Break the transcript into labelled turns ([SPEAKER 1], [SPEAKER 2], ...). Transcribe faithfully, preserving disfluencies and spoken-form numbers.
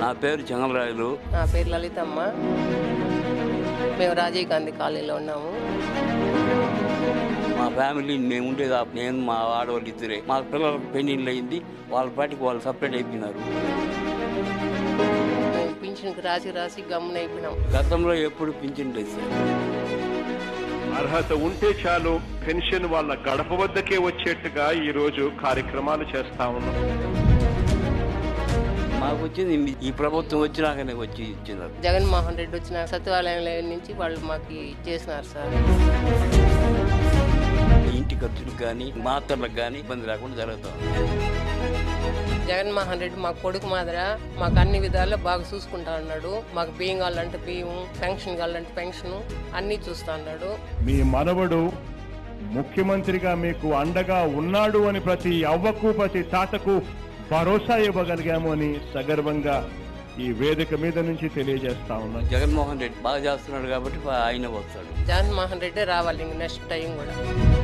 [SPEAKER 1] నా పేరు జంగమరాయలు.
[SPEAKER 2] నా పేరు లలితమ్మ. మేము రాజీవ్ గాంధీ కాలనీలో ఉన్నాము.
[SPEAKER 1] మా ఫ్యామిలీ మేము ఉండేది ఆ- నేను మా ఆడవాళ్ళు ఇద్దరే. మా పిల్లలకు పెళ్ళిళ్ళు అయింది, వాళ్ళ పాటికి వాళ్ళు సపరేట్ అయిపోయినారు.
[SPEAKER 2] మేము పింఛన్కి రాసి రాసి గమ్మున అయిపోయినాం.
[SPEAKER 1] గతంలో ఎప్పుడు పింఛన్ లేదు సార్.
[SPEAKER 3] అర్హత ఉంటే చాలు పెన్షన్ వాళ్ళ గడప వద్దకే వచ్చేట్టుగా ఈ రోజు కార్యక్రమాలు చేస్తా ఉన్నాం.
[SPEAKER 1] మాకు వచ్చింది ఈ ప్రభుత్వం వచ్చినాకనే వచ్చి ఇచ్చినారు.
[SPEAKER 2] జగన్మోహన్ రెడ్డి వచ్చిన సచివాలయం నుంచి వాళ్ళు మాకు ఇచ్చేసినారు సార్.
[SPEAKER 1] ఇంటి ఖర్చులకు కానీ మాత్రలకు కానీ ఇబ్బంది లేకుండా జరుగుతాం.
[SPEAKER 2] జగన్మోహన్ రెడ్డి మా కొడుకు మాదిర మాకు అన్ని విధాలు బాగా చూసుకుంటా ఉన్నాడు. మాకు బియ్యం కావాలంటే బియ్యం, పెన్షన్ కావాలంటే పెన్షన్ అన్నీ చూస్తా ఉన్నాడు.
[SPEAKER 3] మీ మనవడు ముఖ్యమంత్రిగా మీకు అండగా ఉన్నాడు అని ప్రతి అవ్వకు ప్రతి తాతకు భరోసా ఇవ్వగలిగాము అని సగర్వంగా ఈ వేదిక మీద నుంచి తెలియజేస్తా ఉన్నాను.
[SPEAKER 1] జగన్మోహన్ రెడ్డి బాగా చేస్తున్నాడు కాబట్టి ఆయన వస్తాడు.
[SPEAKER 2] జగన్మోహన్ రెడ్డి రావాలి ఇంక నెక్స్ట్ టైం కూడా.